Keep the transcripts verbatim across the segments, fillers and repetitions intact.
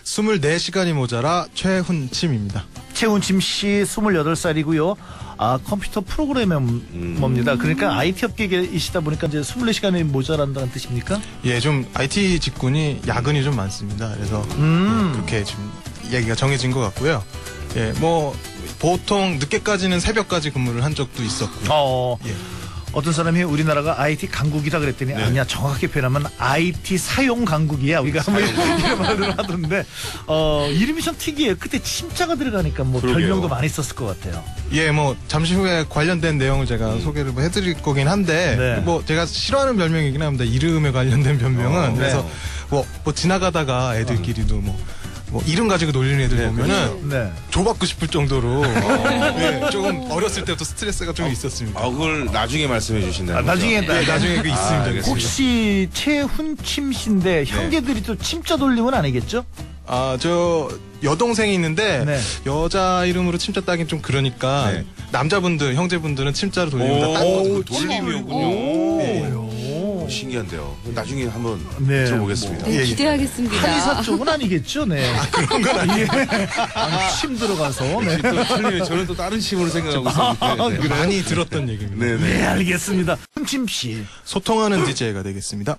스물네 시간이 모자라 최훈침입니다. 최훈침 씨 스물여덟 살이고요. 아, 컴퓨터 프로그래머입니다. 음. 그러니까 아이티 업계이시다 보니까 이제 스물네 시간이 모자란다는 뜻입니까? 예, 좀 아이티 직군이 야근이 좀 많습니다. 그래서 음. 예, 그렇게 좀 얘기가 정해진 것 같고요. 예, 뭐 보통 늦게까지는 새벽까지 근무를 한 적도 있었고요. 어. 예. 어떤 사람이 우리나라가 아이티 강국이다 그랬더니 네. 아니야, 정확하게 표현하면 아이티 사용 강국이야. 우리가 한번 이런 말을 하던데 어, 이름이 참 특이해요. 그때 침자가 들어가니까 뭐 그러게요. 별명도 많이 썼을 것 같아요. 예, 뭐 잠시 후에 관련된 내용을 제가 음. 소개를 뭐 해드릴 거긴 한데 네. 뭐 제가 싫어하는 별명이긴 합니다. 이름에 관련된 별명은. 어, 그래서 네. 뭐, 뭐 지나가다가 애들끼리도 뭐 뭐 이름 가지고 놀리는 애들 네, 보면은 네. 줘받고 싶을 정도로 네, 조금 어렸을 때부터 스트레스가 좀 어, 있었습니다. 아, 그걸 나중에 말씀해 주신다는 아, 나중에 네, 네, 나중에 그 있습니다. 아, 혹시 최훈침 씨인데 네. 형제들이 또 침자 돌림은 아니겠죠? 아, 저 여동생이 있는데 네. 여자 이름으로 침자 따긴 좀 그러니까 네. 남자분들 형제분들은 침자로 돌리면 다 딴 돌림이었군요. 네. 신기한데요. 나중에 한번 네. 들어보겠습니다. 네, 기대하겠습니다. 한의사 쪽은 아니겠죠, 네. 아, 그런 건 아니에요. 아, 침 들어가서. 네. 또 틀리면 저는 또 다른 침으로 생각하고 있었는데 아, 네. 많이 들었던 얘기입니다. 네, 네. 네, 알겠습니다. 훈침 씨. 소통하는 디제이가 되겠습니다.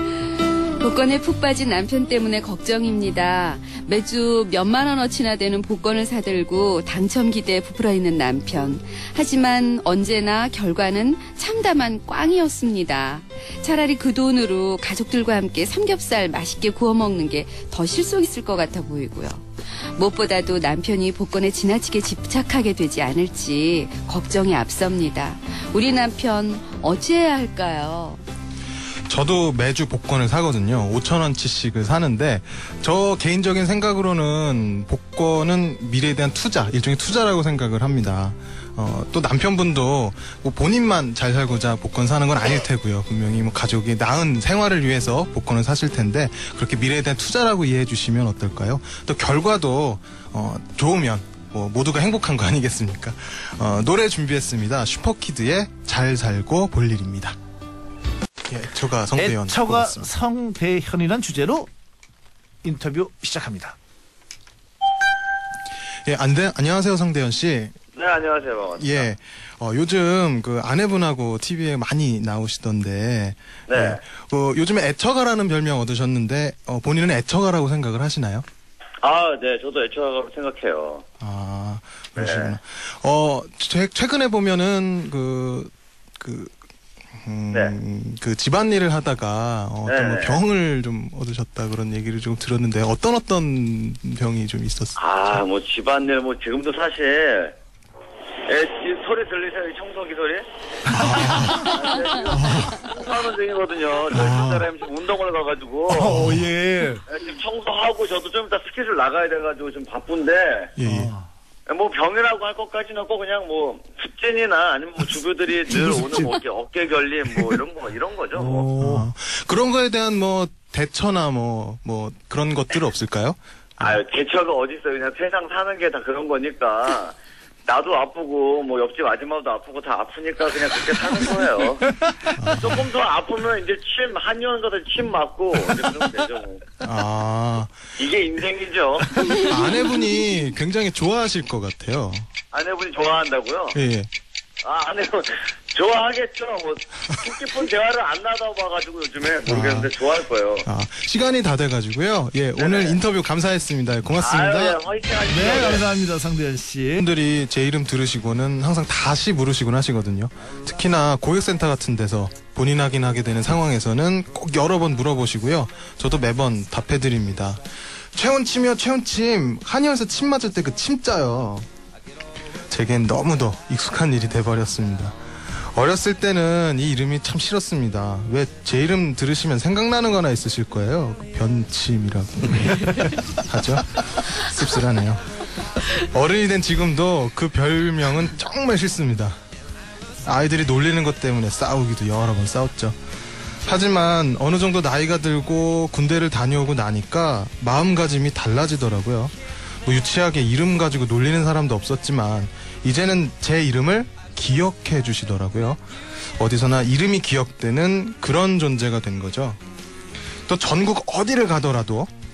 복권에 푹 빠진 남편 때문에 걱정입니다. 매주 몇만 원어치나 되는 복권을 사들고 당첨 기대에 부풀어 있는 남편. 하지만 언제나 결과는 참담한 꽝이었습니다. 차라리 그 돈으로 가족들과 함께 삼겹살 맛있게 구워 먹는 게 더 실속 있을 것 같아 보이고요. 무엇보다도 남편이 복권에 지나치게 집착하게 되지 않을지 걱정이 앞섭니다. 우리 남편 어찌해야 할까요? 저도 매주 복권을 사거든요. 오천 원치씩을 사는데 저 개인적인 생각으로는 복권은 미래에 대한 투자, 일종의 투자라고 생각을 합니다. 어, 또 남편분도 뭐 본인만 잘 살고자 복권 사는 건 아닐 테고요. 분명히 뭐 가족이 나은 생활을 위해서 복권을 사실 텐데 그렇게 미래에 대한 투자라고 이해해 주시면 어떨까요? 또 결과도 어, 좋으면 뭐 모두가 행복한 거 아니겠습니까? 어, 노래 준비했습니다. 슈퍼키드의 잘 살고 볼 일입니다. 애처가 성대현. 애처가 성대현이란 주제로 인터뷰 시작합니다. 예, 안돼 안녕하세요 성대현 씨. 네, 안녕하세요. 반갑습니다. 예, 어, 요즘 그 아내분하고 티비에 많이 나오시던데. 네. 예, 어, 요즘에 애처가라는 별명 얻으셨는데 어, 본인은 애처가라고 생각을 하시나요? 아, 네, 저도 애처가라고 생각해요. 아, 그러시구나. 네. 어, 최, 최근에 보면은 그 그. 음, 네. 그 집안일을 하다가 어, 어떤 뭐 병을 좀 얻으셨다 그런 얘기를 좀 들었는데 어떤 어떤 병이 좀 있었어요? 아, 뭐 집안일 뭐 지금도 사실 에, 소리 들리세요? 이 청소기 소리? 하는 중이거든요. 저희 아. 집사람이 지금 운동을 가가지고 어, 예. 지금 청소하고 저도 좀 이따 스케줄 나가야 돼가지고 좀 바쁜데 예, 예. 뭐 병이라고 할 것까지는 없고 그냥 뭐 습진이나 아니면 뭐 주부들이 늘 오는 뭐 어깨, 어깨 결림 뭐 이런 거 이런 거죠. 뭐. 어, 그런 거에 대한 뭐 대처나 뭐 뭐 그런 것들은 없을까요? 아유 대처가 어디 있어요. 그냥 세상 사는 게 다 그런 거니까 나도 아프고 뭐 옆집 아줌마도 아프고 다 아프니까 그냥 그렇게 사는 거예요. 조금 더 아프면 이제 침 한의원 가서 침 맞고 이제 그러면 되죠. 뭐. 아, 이게 인생이죠. 아내분이 굉장히 좋아하실 것 같아요. 아내분이 좋아한다고요? 예. 아, 아내분 좋아하겠죠. 뭐 깊은 대화를 안 나눠봐가지고 요즘에 모르겠는데 아. 좋아할 거예요. 아, 시간이 다 돼가지고요. 예, 네네. 오늘 인터뷰 감사했습니다. 고맙습니다. 아유, 예, 화이팅 하십시오. 네, 감사합니다, 성대현 씨. 분들이 제 이름 들으시고는 항상 다시 물으시곤 하시거든요. 특히나 고객센터 같은 데서 본인 확인하게 되는 상황에서는 꼭 여러 번 물어보시고요. 저도 매번 답해드립니다. 최훈침이요, 최훈침. 한의원에서 침 맞을 때 그 침자요. 제겐 너무도 익숙한 일이 돼버렸습니다. 어렸을 때는 이 이름이 참 싫었습니다. 왜 제 이름 들으시면 생각나는 거나 있으실 거예요. 변침이라고 하죠. 씁쓸하네요. 어른이 된 지금도 그 별명은 정말 싫습니다. 아이들이 놀리는 것 때문에 싸우기도 여러 번 싸웠죠. 하지만 어느 정도 나이가 들고 군대를 다녀오고 나니까 마음가짐이 달라지더라고요. 뭐 유치하게 이름 가지고 놀리는 사람도 없었지만 이제는 제 이름을 기억해 주시더라고요. 어디서나 이름이 기억되는 그런 존재가 된 거죠. 또 전국 어디를 가더라도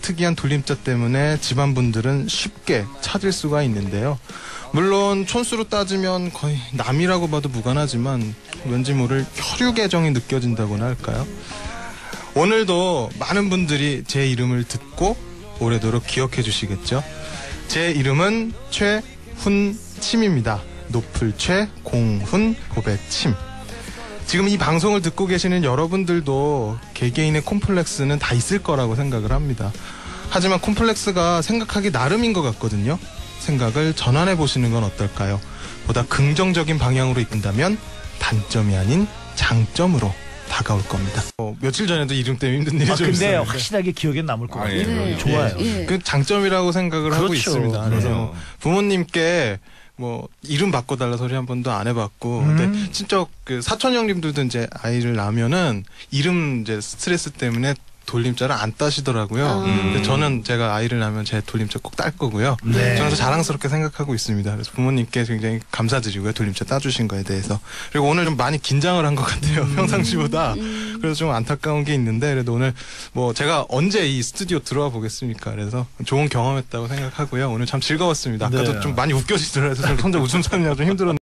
특이한 돌림자 때문에 집안분들은 쉽게 찾을 수가 있는데요. 물론 촌수로 따지면 거의 남이라고 봐도 무관하지만 왠지 모를 혈육애정이 느껴진다고나 할까요? 오늘도 많은 분들이 제 이름을 듣고 오래도록 기억해 주시겠죠? 제 이름은 최훈침입니다. 높을 최, 공훈, 곱의 침. 지금 이 방송을 듣고 계시는 여러분들도 개개인의 콤플렉스는 다 있을 거라고 생각을 합니다. 하지만 콤플렉스가 생각하기 나름인 것 같거든요. 생각을 전환해 보시는 건 어떨까요? 보다 긍정적인 방향으로 이끈다면 단점이 아닌 장점으로 다가올 겁니다. 어, 며칠 전에도 이름 때문에 힘든 일이 아, 좀 근데 있었는데 확실하게 기억에 남을 것 아, 같아요. 예, 네. 좋아요. 예. 그 장점이라고 생각을 하고 그렇죠. 있습니다. 그래서 그럼요. 뭐 부모님께 뭐 이름 바꿔달라 소리 한 번도 안 해봤고, 음. 근데 진짜 그 사촌 형님들도 이제 아이를 낳으면은 이름 이제 스트레스 때문에 돌림자를 안 따시더라고요. 아. 근데 저는 제가 아이를 낳으면 제 돌림자 꼭 딸 거고요. 네. 저는 그래서 자랑스럽게 생각하고 있습니다. 그래서 부모님께 굉장히 감사드리고요. 돌림자 따주신 거에 대해서. 그리고 오늘 좀 많이 긴장을 한 것 같아요. 음. 평상시보다. 음. 그래서 좀 안타까운 게 있는데, 그래도 오늘 뭐 제가 언제 이 스튜디오 들어와 보겠습니까? 그래서 좋은 경험했다고 생각하고요. 오늘 참 즐거웠습니다. 아까도 네. 좀 많이 웃겨지더라도 좀 혼자 웃음 참느라 좀 힘들었는데.